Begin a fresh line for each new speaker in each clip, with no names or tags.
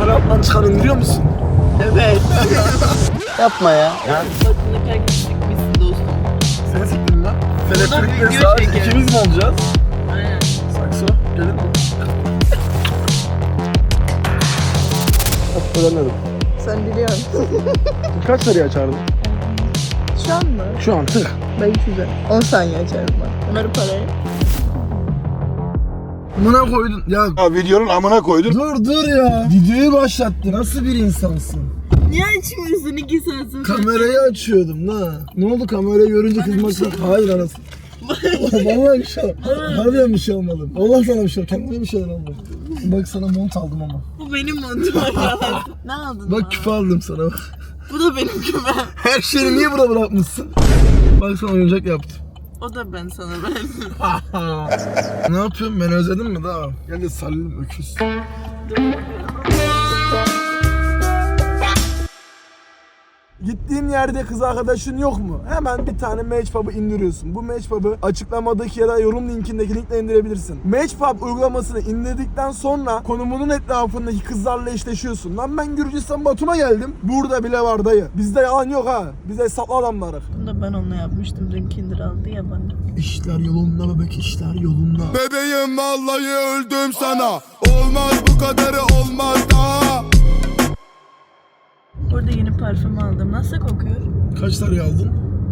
Valorant'tan çıkan indiriyor musun?
Evet.
Yapma ya.
Bakımdaki herkes çıkmışsın dostum.
Seni siktim lan. Teleferikle
video
sadece
çekelim.
ikimiz mi olacağız?
Aynen.
Sakso, gelin mi? Öğrenmedim.
Sen biliyorsun.
Kaç sarıyı açardın?
Şu an mı?
Şu an tık.
Ben 300'e. 10 saniye açarım ben. Bunları parayı.
Amına koydun. Ya
Videonun amına koydun.
dur ya. Videoyu başlattı. Nasıl bir insansın?
Niye açmıyorsun 2 saat sonra?
Kamerayı açıyordum la. Ne oldu kamerayı görünce kızmaktan? Hayır anasını. Vallahi bir şey harbiden bir şey almadım. Allah sana bir şey kendime bir şeyler almadım. Bak sana mont aldım ama.
Bu benim montum ya. Ne aldın?
Bak küpe aldım sana.
Bu da benim kümem.
Her şeyi niye burada bırakmışsın? Bak sana oyuncak yaptım.
O da ben sana verdim.
Ne yapıyorsun? Beni özledin mi daha? Gel de sarılayım öküz. Gittiğin yerde kız arkadaşın yok mu? Hemen bir tane Matchpub'ı indiriyorsun. Bu Matchpub'ı açıklamadaki ya da yorum linkindeki linkle indirebilirsin. Matchpub uygulamasını indirdikten sonra konumunun etrafındaki kızlarla eşleşiyorsun. Lan ben Gürcistan Batum'a geldim. Burada bile var dayı. Bizde yalan yok ha. Biz hesaplı adamlarız.
Bunu da ben onunla yapmıştım. Dün Kinder aldı ya bana.
İşler yolunda bebek, işler yolunda.
Bebeğim vallahi öldüm sana. Olmaz bu kadarı olmaz daha.
Burada yeni parfüm aldım. Nasıl kokuyor?
Kaç sarı aldın?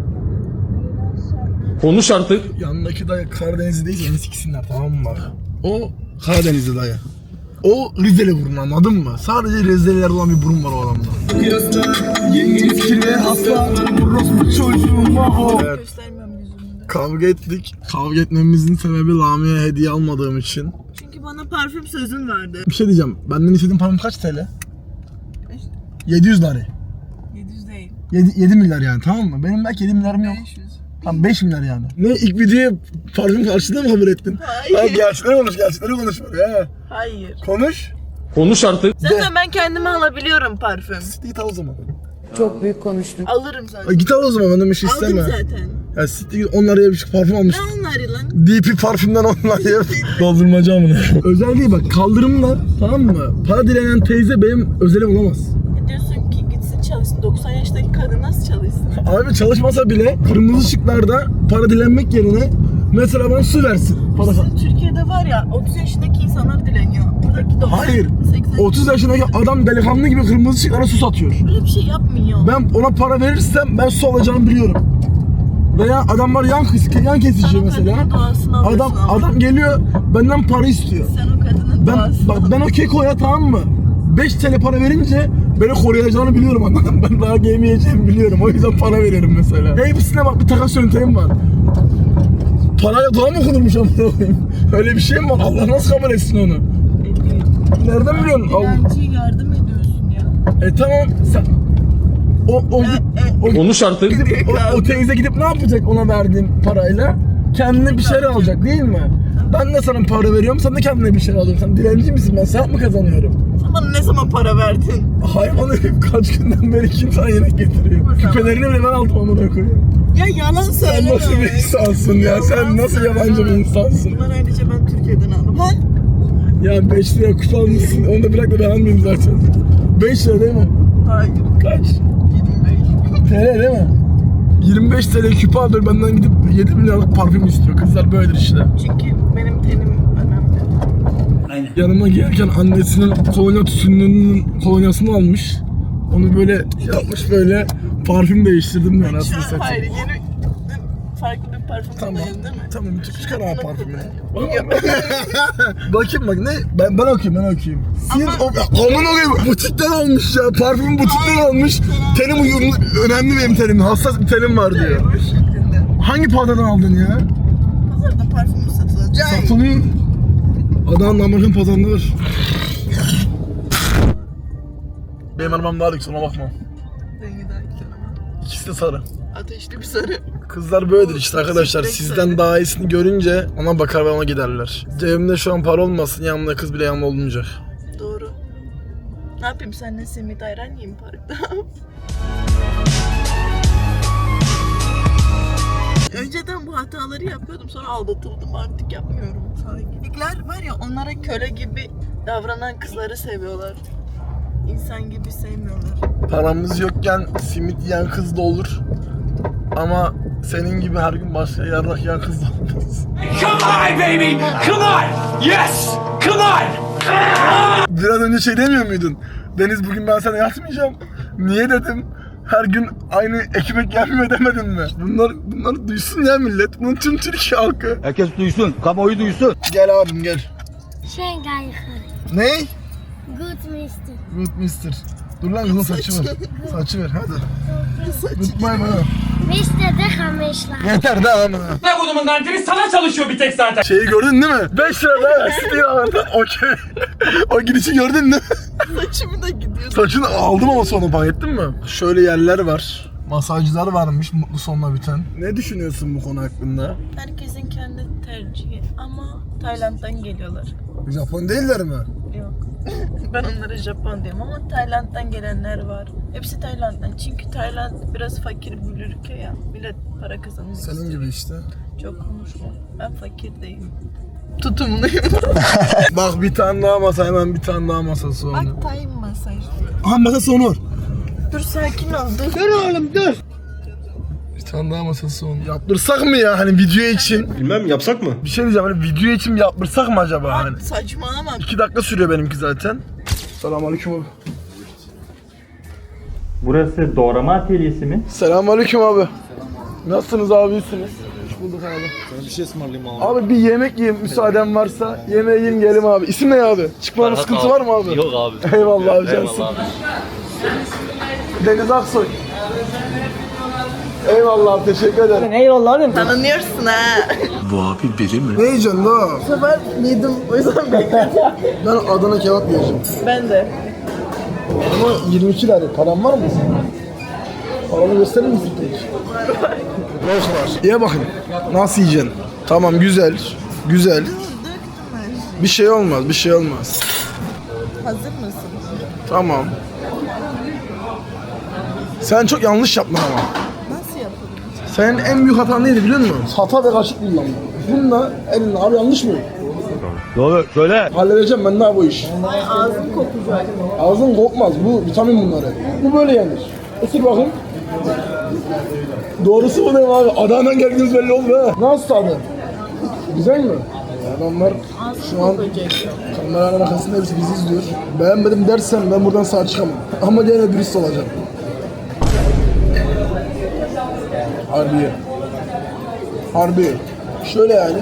Konuş artık.
Yanındaki dayı Karadenizli değil, yeni siksinler tamam mı bak? O Karadenizli dayı. O Rizeli burun anladın mı? Sadece Rizeliler olan bir burun var o adamda. Yengeniz kirve hasta, orospu çocuğum o. Evet,
Göstermiyorum yüzümde.
kavga ettik. Kavga etmemizin sebebi Lamia'ya hediye almadığım için.
Çünkü bana parfüm sözün vardı.
Bir şey diyeceğim, benden istediğin parfüm kaç TL? 700 lira.
700 değil.
7 milyar yani tamam mı? Benim belki 7 milyarım yok.
500.
Tam 5 milyar yani. Ne ilk videoya parfüm karşılığında mı haber ettin?
Hayır.
Lan gerçekleri konuş ya.
Hayır.
Konuş.
Konuş artık.
Zaten ben kendime alabiliyorum parfüm.
Git al o zaman.
Çok büyük konuştun.
Alırım zaten.
Ay git al o zaman benden bir şey
Aldım
isteme.
zaten.
Ya siktir git 10 liraya bir şey parfüm almış.
Ne onları lan?
DP parfümden 10 liraya doldurmaca amına. Özelliği bak kaldırımla tamam mı? Para dilenen teyze benim özelim olamaz.
Diyorsun ki gitsin çalışsın. 90 yaşındaki kadın nasıl çalışsın?
Abi çalışmasa bile kırmızı ışıklarda para dilenmek yerine mesela bana su versin. Para
Sizin Türkiye'de var ya 30 yaşındaki insanlar dileniyor. Buradaki 90,
Hayır.
80.
30 yaşındaki adam delikanlı gibi kırmızı ışıklara su satıyor.
Öyle bir şey yapmıyor.
Ben ona para verirsem ben su alacağımı biliyorum. Veya adamlar yan kesici
Sen o
mesela.
kadının doğasını alıyorsun ama.
Adam geliyor benden para istiyor.
Sen o kadının doğasını
Ben o kekoya tamam mı? 5 TL para verince beni koruyacağını biliyorum anladın. Ben daha yemeyeceğimi biliyorum. O yüzden para veririm mesela. Hepsine bak bir takas yöntemim var. Parayla doğa mı okunurmuş amına koyayım? Öyle bir şey mi var? Allah nasıl kabul etsin onu?
ediyor.
Nereden biliyorsun?
Dilenciye yardım ediyorsun ya.
Tamam sen...
Konuş artık.
O teyze gidip ne yapacak ona verdiğim parayla? Kendine bir şeyler alacak değil mi? Ben de sana para veriyorum, sen de kendine bir şeyler alıyorsun. Sen dilenci misin? Ben sevap mı kazanıyorum?
Sen bana ne zaman para verdin?
Hayvan herif kaç günden beri kim sana yemek getiriyor? Küpelerini bile ben aldım amına koyayım.
Ya yalan
Sen
söyleme.
nasıl bir insansın ya? Sen nasıl yabancı bir insansın?
Bunları ayrıca ben Türkiye'den aldım. Ha?
Ya 5 liraya küpe almışsın, onu da bırak da ben almayayım zaten. 5 lira değil mi?
Hayır.
Kaç?
25.
TL değil mi? 25 TL küpe alıyor benden gidip 7 milyarlık parfüm istiyor. Kızlar böyledir işte.
Çünkü benim tenim önemli.
Yanıma gelirken annesinin kolonya tütününün kolonyasını almış. Onu böyle yapmış böyle parfüm değiştirdim yani aslında
Şu an hayır
satayım.
yeni farklı bir parfüm
Tamam.
kullanıyorsun değil mi?
Tamam çıkar abi parfümü.
Yok.
Bakayım bak ne? Ben okuyayım. Siz aman okuyayım butikten almış ya. Parfümü butikten almış. Tenim uyumlu, önemli benim tenim. Hassas bir tenim var diyor.
Bu şeklinde.
Hangi pazardan aldın ya?
Pazarda parfüm satılacak.
Satılıyor. Adana'nın Amerikan pazarında var. Benim arabam daha lüks ona bakma.
Rengi daha güzel ama.
İkisi de sarı.
Ateşli bir sarı.
Kızlar böyledir işte arkadaşlar.
Çiçek
Sizden
sarı.
daha iyisini görünce ona bakar ve ona giderler. Cebimde şu an para olmasın, yanımda kız bile yanımda olmayacak.
Doğru. Ne yapayım seninle simit ayran yiyeyim parkta. Önceden bu hataları yapıyordum sonra aldatıldım artık yapmıyorum. Erkekler var ya onlara köle gibi davranan kızları seviyorlar. İnsan gibi sevmiyorlar.
Paramız yokken simit yiyen kız da olur. Ama senin gibi her gün başka yarrak yiyen kız da olmaz.
Come on, baby! Come on! Yes! Come on!
Biraz önce şey demiyor muydun? Deniz bugün ben sana yatmayacağım. Niye dedim? Her gün aynı ekmek yenmiyor demedin mi? Bunları duysun ya millet. Bunu tüm Türkiye halkı.
Herkes duysun, kamuoyu duysun.
Gel abim gel.
Schengen.
Ne?
Good mister.
Good mister. Dur lan kızın saçı ver. Saçı ver hadi. Tutmayın bana.
Mister de kamışlar.
Yeter de ama.
Ne kodumun kantini sana çalışıyor bir tek zaten.
Şeyi gördün değil mi? 5 lira daha istiyor ağırdan. Okey. O girişi gördün değil mi?
Saçımı da gidiyor.
Saçını aldım ama sonra fark ettin mi? Şöyle yerler var. Masajcılar varmış mutlu sonla biten. Ne düşünüyorsun bu konu hakkında?
Herkesin kendi tercihi ama Tayland'dan geliyorlar.
Japon değiller mi?
Yok. Ben onlara Japon diyorum ama Tayland'dan gelenler var. Hepsi Tayland'dan. Çünkü Tayland biraz fakir bir ülke ya. Millet para kazanıyor.
Senin gibi işte.
Çok konuşma. Ben fakir değilim. Tutumluyum.
Bak bir tane daha masa, hemen bir tane daha masası onu.
Bak time masaj.
Aha masası Onur.
Dur sakin ol. Dur.
Dur oğlum dur. Bir tane daha masası onu. Yaptırsak mı ya hani video için?
Bilmem yapsak mı?
Bir şey diyeceğim hani video için yaptırsak mı acaba hani?
Saçmalama.
2 dakika sürüyor benimki zaten. Selamünaleyküm abi.
Burası doğrama atölyesi mi?
Selamünaleyküm abi. Nasılsınız abi, iyisiniz? Hoş bulduk abi.
Sana bir şey ısmarlayayım abi.
Abi bir yemek yiyeyim müsaaden varsa. Yemeğe yiyeyim gelim abi. İsim ne abi? Çıkmama sıkıntı var mı abi?
Yok abi.
Eyvallah abi cansın.
Eyvallah abi.
Deniz Aksoy. Eyvallah abi, teşekkür ederim.
Tanınıyorsun ha.
Ne yiyeceksin la?
Bu sefer yedim. O yüzden bekledim.
Ben Adana kebap yiyeceğim.
Ben de.
Ama 22 lira. Param var mı senin? Paramı gösterir misin peki? Boş var. Ye bakayım. Nasıl yiyeceksin? Tamam güzel. Güzel. Bir şey olmaz, bir şey olmaz.
Hazır mısın?
Tamam. Sen çok yanlış yaptın ama.
Nasıl yapalım?
Senin en büyük hatan neydi biliyor musun? Hata ve kaşık kullanma. Bununla elin abi yanlış mı?
Doğru, söyle.
Halledeceğim ben daha bu iş.
Ağzım kokacak.
Ağzın kokmaz, bu vitamin bunları. Bu böyle yenir. Isır bakayım. Doğrusu bu ne abi? Adana'dan geldiğiniz belli oldu ha. Nasıl tadı? Güzel mi? Adamlar şu an kameranın arkasında hepsi bizi izliyor. Beğenmedim dersen ben buradan sağ çıkamam. Ama gene dürüst olacağım. Harbi. Harbi. Şöyle yani.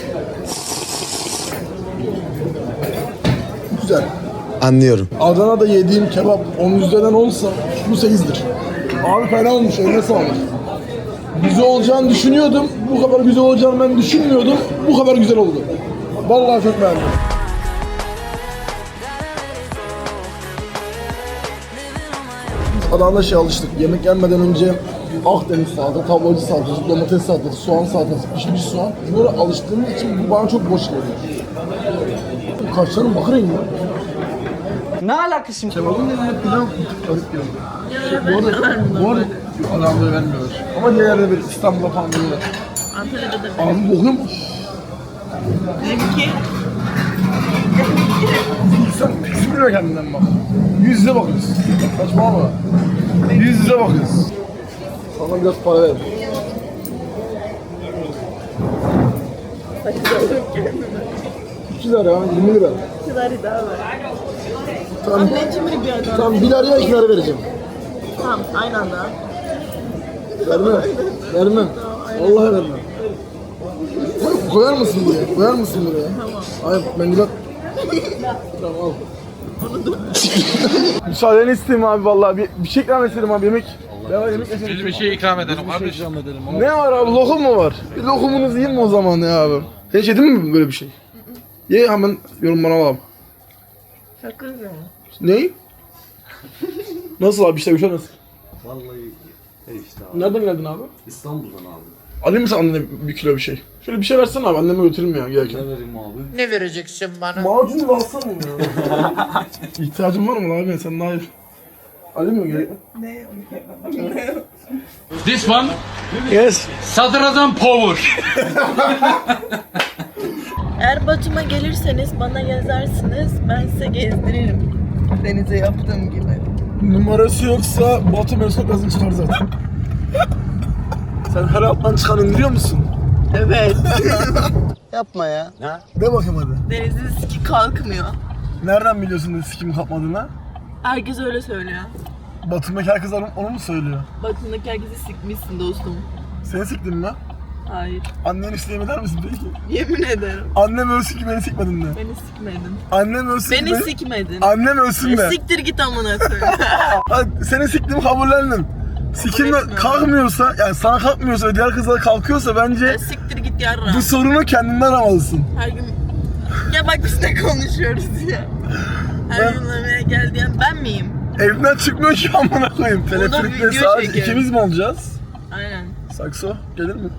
Güzel.
Anlıyorum.
Adana'da yediğim kebap 10 üzerinden olsa bu 8'dir. Abi fena olmuş, eline sağlık. Güzel olacağını düşünüyordum. Bu kadar güzel olacağını ben düşünmüyordum. Bu kadar güzel oldu. Vallahi çok beğendim. Adana'da şey alıştık. Yemek yenmeden önce Akdeniz salatası, tablacı salatası, domates salatası, soğan salatası, pişmiş soğan. Bunlara alıştığımız için bu bana çok boş geliyor. Kaşlarım bakır rengi.
Ne alakası şimdi?
Kebabın yanında pilav bir tık garip geliyor. Bu arada adamları vermiyorlar. Ama diğer yerde bir İstanbul'da falan veriyorlar.
Antalya'da da
Abi bokuyorum.
benimki.
Sen biliyor kendinden bak. Yüz yüze bakıyoruz. Saçma ama. Yüz yüze bakıyoruz. Sana biraz para ver. $2 lira, 20 lira.
Kızarı daha var.
Tamam,
Anneciğim bir adam.
tamam 1 liraya 2 lira vereceğim.
Tamam aynı anda.
Vermem. Vermem. Vallahi vermem. Koyar mısın buraya? Koyar mısın buraya? Tamam. Hayır, mendil at. Tamam al. Müsaadeni isteyeyim abi vallahi. Bir şey ikram edelim abi, yemek. Ne var yemek edelim.
Biz bir şey ikram edelim kardeşim.
Ne var abi, lokum mu var? Bir lokumunuzu yiyin mi o zaman ya abi? Sen hiç yedin mi böyle bir şey? Ye hemen yorumlara alalım.
Sakın mı?
Ne? Nasıl abi, işte bir şey nasıl?
Vallahi işte abi.
Nereden geldin abi?
İstanbul'dan abi.
Alayım mı sen annene 1 kilo bir şey? Şöyle bir şey versene abi, anneme götüreyim ya gelirken.
Ne vereyim abi?
Ne vereceksin bana?
Macun da alsana ya. İhtiyacın var mı abi? Sen daha iyi. Alayım mı gerek?
Ne?
This one,
Yes.
Sadrazam Power.
Eğer Batum'a gelirseniz bana yazarsınız. Ben size gezdiririm. Denize yaptığım gibi.
Numarası yoksa Batu Mesut gazın çıkar zaten. Sen her alttan çıkan indiriyor musun?
Evet.
Yapma ya.
De bakayım hadi.
Denizin siki kalkmıyor.
Nereden biliyorsun da sikim kapmadığını?
Herkes öyle söylüyor.
Batum'daki herkes onu mu söylüyor?
Baktığındaki herkesi sikmişsin dostum.
Seni siktin mi?
Hayır.
Annen isteyem eder misin peki?
Yemin ederim.
Annem ölsün ki beni sikmedin de.
Beni sikmedin.
Annem ölsün ki
Beni sikmedin.
Annem ölsün de.
Siktir git amına koyayım.
Hadi seni siktim kabullendim. Sikimle
etmiyorum.
kalkmıyorsa, yani sana kalkmıyorsa ve diğer kızlara kalkıyorsa bence
Ya siktir git yarra.
bu sorunu kendinden aramalısın.
Her gün... Ya bak biz ne konuşuyoruz ya. Her gün yemeğe gel diyen ben miyim?
Evden çıkmıyor ki amına koyayım. Teleferikte
video
sadece
çekiyor.
ikimiz mi olacağız?
Aynen.
Sakso gelir mi?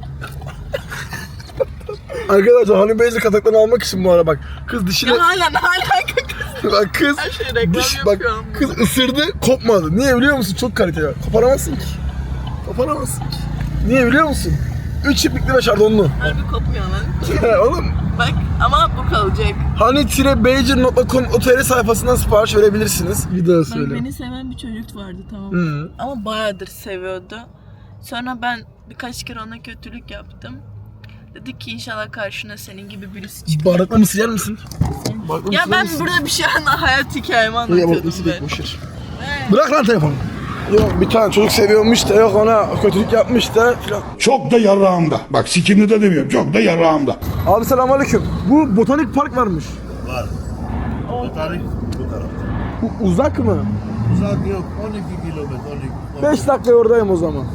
Arkadaşlar Hani Beyci kataklarını almak için bu ara bak. Kız dişine...
Ya hala ne alaka kız?
Bak kız...
Her şey reklam
bak
yapıyor.
kız ısırdı kopmadı. Niye biliyor musun? Çok kaliteli. Koparamazsın ki. Koparamazsın ki. Niye biliyor musun? 3 iplikli ve şardonlu.
Harbi kopmuyor lan.
Oğlum
Bak ama bu kalacak.
hani-beyci.com OTR sayfasından sipariş verebilirsiniz. Bir daha
Bak
söyle.
beni seven bir çocuk vardı tamam mı?
Hı.
Ama bayağıdır seviyordu. Sonra ben birkaç kere ona kötülük yaptım. Dedi ki inşallah karşına senin gibi birisi çıkar.
Bardakla mısır yer misin? Bardakla
Ya
mısır yer
ben
misin?
burada bir şey hayat hikayemi
Ya
anlatıyordum
bardakla mısır
ben.
değil, boşver. Bırak lan telefonu. Yok bir tane çocuk seviyormuş da yok ona kötülük yapmış da filan.
Çok da yarağımda. Bak sikimli de demiyorum. Çok da yarağımda.
Abi selamünaleyküm. Bu botanik park varmış.
Tarih bu tarafta.
Bu uzak mı?
Uzak yok. 12 kilometre.
5 dakika oradayım o zaman.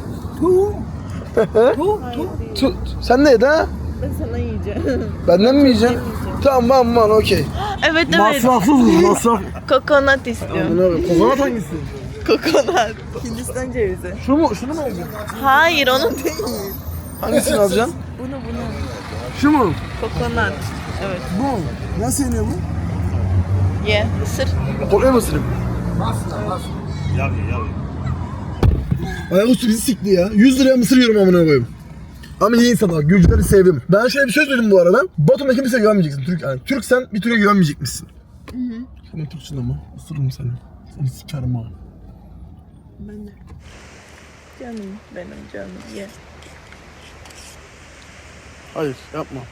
Tu. Sen neydi ha?
Ben sana yiyeceğim.
Benden mi yiyeceksin? Tamam okey.
Evet evet.
Masrafsız mı? Masraf.
Kokonat istiyorum.
Bunu kokonat hangisi?
Kokonat. Hindistan cevizi.
Şunu mu alacaksın?
Hayır onu değil.
Hangisini alacaksın?
Bunu.
Şu mu?
Kokonat. Evet.
Bu mu? Nasıl yeniyor bu?
Ye. Isır.
Kolay mı ısırayım?
Yav.
Ayaküstü bizi sikti ya. 100 liraya mısır yiyorum amına koyayım. Ama iyi insanlar, Gürcüleri sevdim. Ben şöyle bir söz dedim bu arada. Batum'da kimseye güvenmeyeceksin. Yani Türksen bir Türk'e güvenmeyecekmişsin. Sen Türksün ama. Isırırım seni. Seni sikerim ha.
Ben de. Canım benim canım. Ye.
Hayır yapma.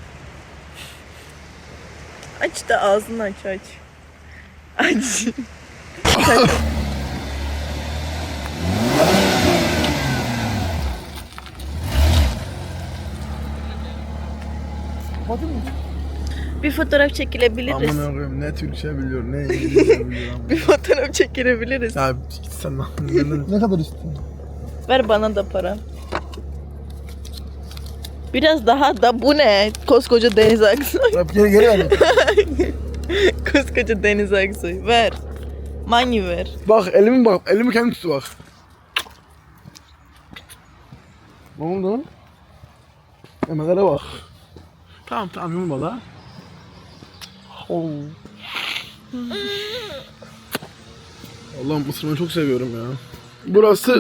Aç da ağzını aç. Aç. Bir fotoğraf çekilebiliriz.
Aman koyayım ne Türkçe biliyor ne İngilizce biliyor.
Bir fotoğraf çekilebiliriz.
Ya git sen lan. Ne kadar istiyorsun?
Ver bana da para. Biraz daha da bu ne? Koskoca Deniz Aksoy.
Geri ver.
Koskoca Deniz Aksoy. Ver. Money ver.
Bak elimi kendim tut bak. Ne oldu? Emelere bak. Tamam yumma da. Oh. Allah'ım ısırmayı çok seviyorum ya. Burası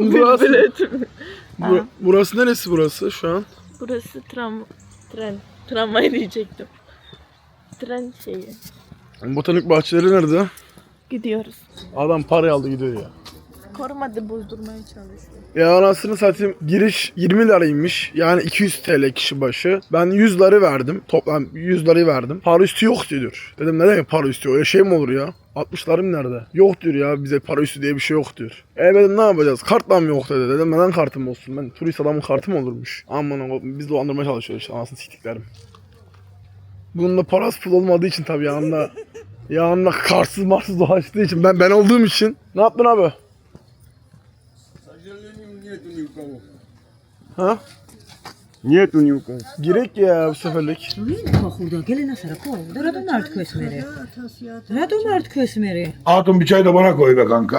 burası neresi burası şu an?
Burası tramvay diyecektim. Tren şeyi.
Botanik bahçeleri nerede?
Gidiyoruz.
Adam parayı aldı gidiyor ya.
Korumadı bozdurmaya çalışıyor.
Ya anasını satayım giriş 20 liraymış. Yani 200 TL kişi başı. Ben 100 lira verdim. Toplam 100 lirayı verdim. Para üstü yok diyor. Dedim ne demek para üstü? Öyle şey mi olur ya? 60'larım nerede? Yok diyor ya bize para üstü diye bir şey yok diyor. Dedim ne yapacağız? Kartla mı yok dedi. Dedim neden kartım olsun? Ben turist adamın kartı mı olurmuş? Aman biz dolandırmaya çalışıyoruz işte anasını siktiklerim. Bunun da parası pul olmadığı için tabii yanında kartsız marsız dolaştığı için ben olduğum için. Ne yaptın abi? Ha?
Niye tunyuka?
Girek ya bu seferlik.
Hatun bir çay da bana koy be kanka.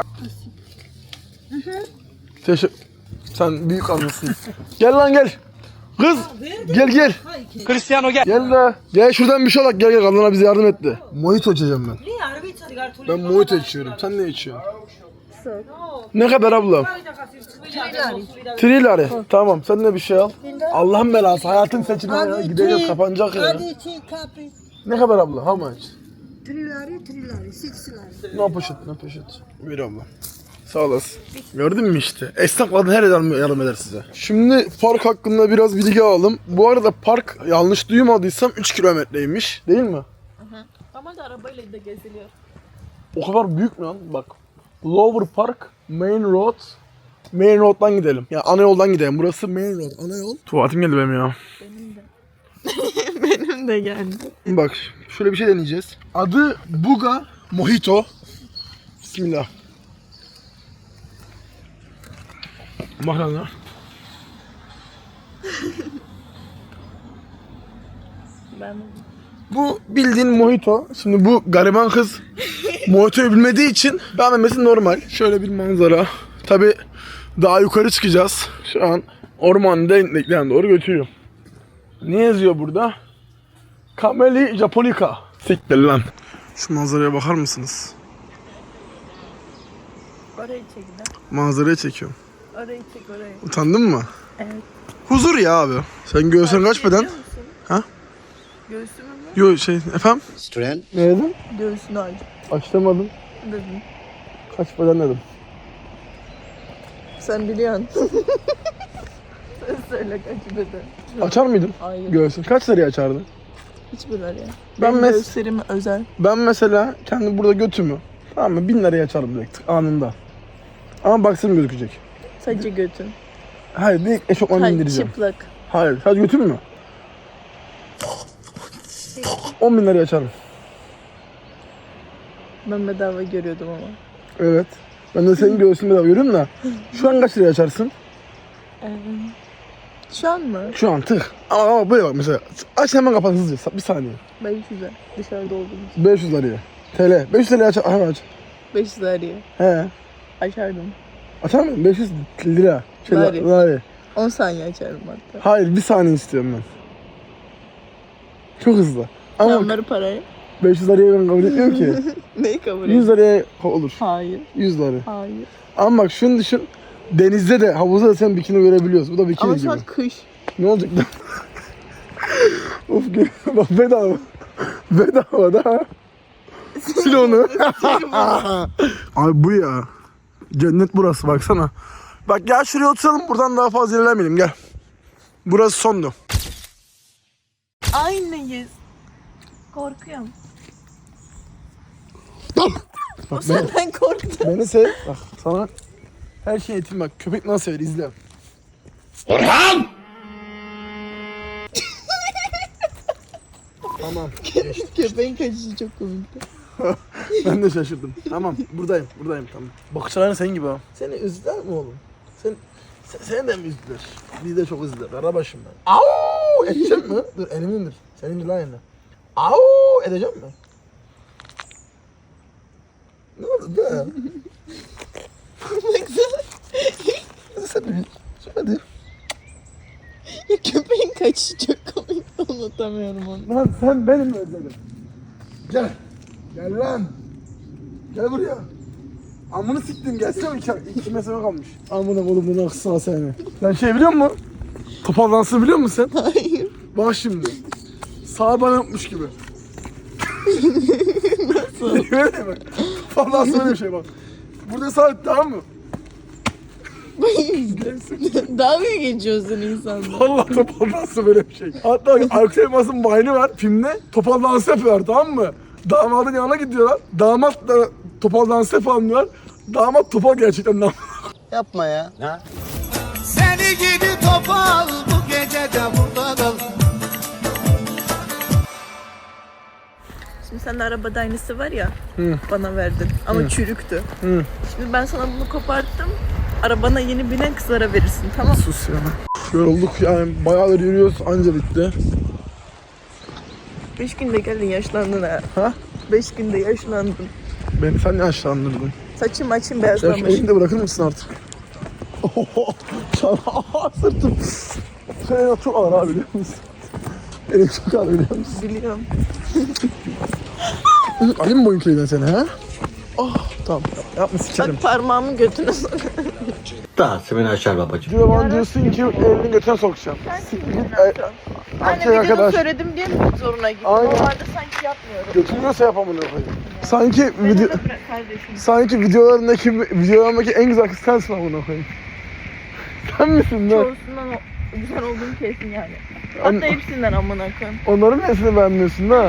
Sen büyük anlasın. Gel lan gel. Kız gel.
Cristiano gel.
Gel de. Gel şuradan bir şey alak gel kadına bize yardım etti. Mojito içeceğim ben. Ben mojito içiyorum. Sen ne içiyorsun? Ne kadar abla? 3 lira. Tamam sen de bir şey al. Allah'ın belası hayatın seçimi ya. Gideceğiz kapanacak ya. Ne kadar abla? How much?
Trilari, sixlari.
Ne poşet, ne poşet. Bir abla. Sağ olasın. Gördün mü işte? Esnaflardan her yardım eder size. Şimdi park hakkında biraz bilgi alalım. Bu arada park yanlış duymadıysam 3 kilometreymiş. Değil mi?
Ama da arabayla da geziliyor.
O kadar büyük mü lan? Bak. Lower Park, Main Road. Main Road'dan gidelim. Yani ana yoldan gidelim. Burası Main Road, ana yol. Tuvaletim geldi benim ya.
Benim de geldi.
Bak şöyle bir şey deneyeceğiz. Adı Buga Mojito. Bismillah. Mahrana.
Ben
Bu bildiğin mojito. Şimdi bu gariban kız mojitoyu bilmediği için beğenmemesi normal. Şöyle bir manzara. Tabi daha yukarı çıkacağız. Şu an ormanın derinliklerine doğru götürüyorum. Ne yazıyor burada? Camellia japonica. Siktir lan. Şu manzaraya bakar mısınız?
orayı çek de.
Manzaraya çekiyorum.
Orayı çek orayı.
Utandın mı?
Evet.
Huzur ya abi. Sen göğsün kaç beden? Ha?
Göğsümü mü?
Yo şey efendim?
Strength.
Ne dedim?
Göğsünü aç.
Açlamadım.
Dedim.
Kaç beden dedim.
Sen biliyorsun. Sen söyle kaç beden.
Açar mıydın?
Hayır.
Göğsün. Kaç liraya açardın?
Hiçbir ya.
Ben
Benim göğüslerim özel.
Ben mesela kendi burada götümü tamam mı 1000 liraya açarım direkt anında. Ama baksırım gözükecek.
Sadece götün.
Hayır direkt eşofmanı
Hayır
indireceğim.
çıplak.
Hayır sadece götüm mü? 10.000 liraya açarım.
Ben bedava görüyordum ama.
Evet. Ben de senin göğsünü bedava görüyorum da. Şu an kaç liraya açarsın?
Şu an mı?
Şu an tık. Ama böyle bak mesela. Aç hemen kapat hızlıca. Bir saniye.
500'e. Dışarıda olduğum için.
500 liraya. TL. 500 liraya aç. Hemen aç.
500 liraya.
He.
Açardım.
Açar mısın? 500 lira.
Lari.
Lari.
10 saniye açarım hatta.
Hayır bir saniye istiyorum ben. Çok hızlı. Ama
Onları parayı.
500 liraya ben kabul etmiyorum ki.
Neyi kabul
100
ediyorsun?
liraya olur.
Hayır.
100 lira.
Hayır.
Ama bak şunu düşün. Denizde de havuzda da sen bikini görebiliyorsun. Bu da bikini
Ama
gibi.
şu an kış.
Ne olacak lan? Of bak bedava. Bedava da. Sil onu. Abi bu ya. Cennet burası baksana. Bak gel şuraya oturalım buradan daha fazla ilerlemeyelim gel. Burası sondu.
Aynıyız. Korkuyorum.
Bak
O senden korktu.
beni sev. Bak sana her şey eğitim bak. Köpek nasıl sever izle.
Orhan!
Tamam.
Köpeğin kaçışı çok komikti.
Ben de şaşırdım. Tamam buradayım tamam. Bakışların senin gibi ha. Seni üzdüler mi oğlum? Seni de mi üzdüler? Biz de çok üzdüler. Arabaşım ben. Au! Edeceğim mi? Dur elimi indir. Sen indir lan elini. Au! Edeceğim mi? Ne oldu be? Sen de hadi.
Köpeğin kaçışı çok komikti. Unutamıyorum onu.
Lan sen benim mi özledin? Gel. Gel lan. Gel buraya. Amını siktin gelsene iki mesafe kalmış. Amına oğlum bunu aksana seni. Sen şey biliyor musun? Topal dansı biliyor musun sen?
Hayır.
Bak şimdi. Sağ bana yapmış gibi. Nasıl? Öyle bak. Topal dansı böyle bir şey bak. Burada sağ tamam mı?
Daha mı geçiyorsun insanlar?
Vallahi topal dansı böyle bir şey. Hatta Aykut Elmas'ın bayını var filmde. Topal dansı yapıyorlar tamam mı? Damadın yanına gidiyorlar. Damat da topal dansı yapalım diyorlar. Damat topal gerçekten lan.
Yapma ya.
Seni gidi topal bu gece de burada kal.
Şimdi sen de arabada aynısı var ya. Bana verdin. Ama çürüktü. Şimdi ben sana bunu koparttım. Arabana yeni binen kızlara verirsin tamam mı?
Sus ya. Yorulduk yani bayağıdır yürüyoruz anca bitti.
5 günde geldin yaşlandın ha.
Ha?
5 günde yaşlandın.
Beni sen yaşlandırdın.
Saçım açım
Ya şu
beyazlamış.
elini de bırakır mısın artık? Sırtım. Senin çok ağır abi biliyor musun? Elim çok ağır biliyor musun?
Biliyorum.
Alayım mı boyun kiliden seni ha? Oh tamam yapma sikerim.
Bak parmağımı götüne sok.
Dağısı beni açar babacığım.
Diyor bana diyorsun ki elini götüne sokacağım.
Anne
Erkek
videoda
arkadaş.
söyledim diye mi zoruna gitti?
Aynen.
Normalde sanki yapmıyorum.
Götürmüyorsa yap amına koyayım. Sanki
Beni
video...
de bırak kardeşim.
Sanki videolarındaki en güzel kız sensin amına koyayım. Sen misin lan?
Çoğusundan güzel olduğum kesin yani. Hatta hepsinden amına koyayım.
Onların nesini beğenmiyorsun da?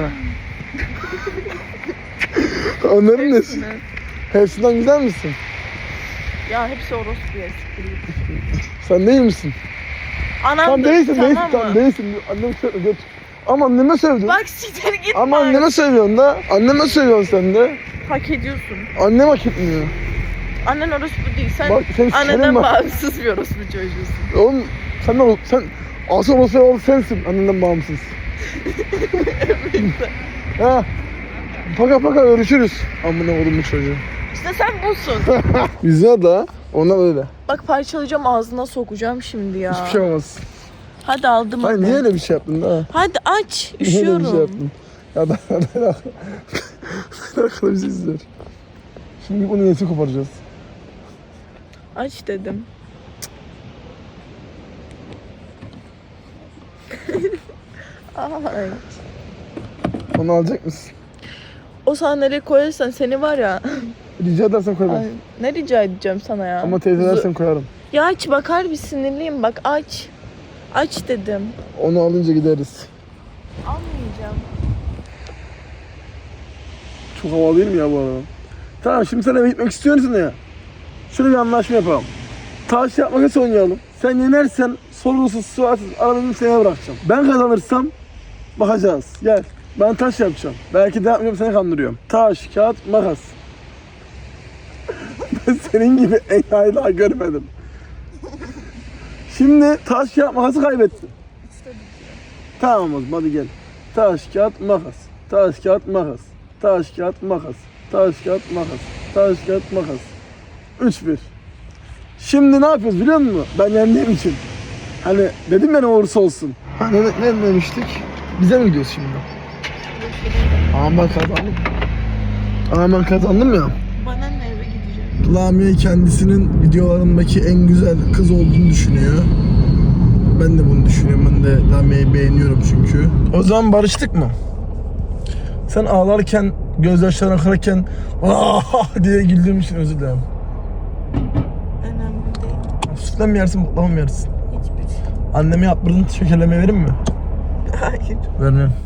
Onların nesi?
Hepsini.
Hepsinden güzel misin?
Ya hepsi orospu ya.
Sen değil misin?
Anam
Tam
da,
değilsin,
tamam
değilsin,
mı?
tam değilsin. Anneme söyle, göt. Ama anneme sövdün.
Bak siktir git
Ama
bak.
anneme sövüyorsun da. Anneme sövüyorsun sen de.
Hak ediyorsun.
Annem hak etmiyor.
Annen orospu değil. Sen
Bak, seni sikerim
annenden
bak.
bağımsız bir orospu çocuğusun.
Oğlum sen asıl o sensin annenden bağımsız. Ha. Paka görüşürüz. Amına oğlum bu çocuğu.
İşte sen busun.
Güzel da ona öyle.
Bak parçalayacağım ağzına sokacağım şimdi ya.
Hiçbir şey olmaz.
Hadi aldım
Hayır
hadi.
niye öyle bir şey yaptın da?
Hadi aç.
Niye öyle bir şey
Üşüyorum.
yaptın? Ya ben akıllı bir şey izler. Şimdi bunun yetini koparacağız.
Aç dedim. Ay.
Onu alacak mısın?
O sandalye koyarsan seni var ya.
Rica edersen koy ben.
Ay, ne rica edeceğim sana ya?
Ama teyze dersen koyarım.
Ya aç bakar bir sinirliyim bak aç. Aç dedim.
Onu alınca gideriz.
Almayacağım.
Çok havalı değil mi ya bu arada? Tamam şimdi sen eve gitmek istiyorsun ya. Şöyle bir anlaşma yapalım. Taş yapmak oynayalım. Sen yenersen sorgusuz sualsiz arabanı seni bırakacağım. Ben kazanırsam bakacağız. Gel. Ben taş yapacağım. Belki de yapmıyorum seni kandırıyorum. Taş, kağıt, makas. Ben senin gibi enayi daha görmedim. Şimdi taş, kağıt, makası kaybettin. Tamam o zaman hadi gel. Taş, kağıt, makas. Taş, kağıt, makas. Taş, kağıt, makas. Taş, kağıt, makas. Taş, kağıt, makas. 3-1. Şimdi ne yapıyoruz biliyor musun? Ben yendiğim için. Hani dedim ya ne olursa olsun. Hani ne demiştik? Bize mi gidiyoruz şimdi? Ama ben kazandım. Ama ben kazandım ya.
Bana ne eve gideceğim?
Lamia kendisinin videolarındaki en güzel kız olduğunu düşünüyor. Ben de bunu düşünüyorum. Ben de Lamia'yı beğeniyorum çünkü. O zaman barıştık mı? Sen ağlarken, gözyaşların akarken "Ah!" diye güldüğüm için özür dilerim.
Önemli değil.
Sütle mi yersin, baklava mı yersin?
Hiçbir şey.
Anneme yaptırdığın şekerleme verir mi?
Hayır.
Vermem.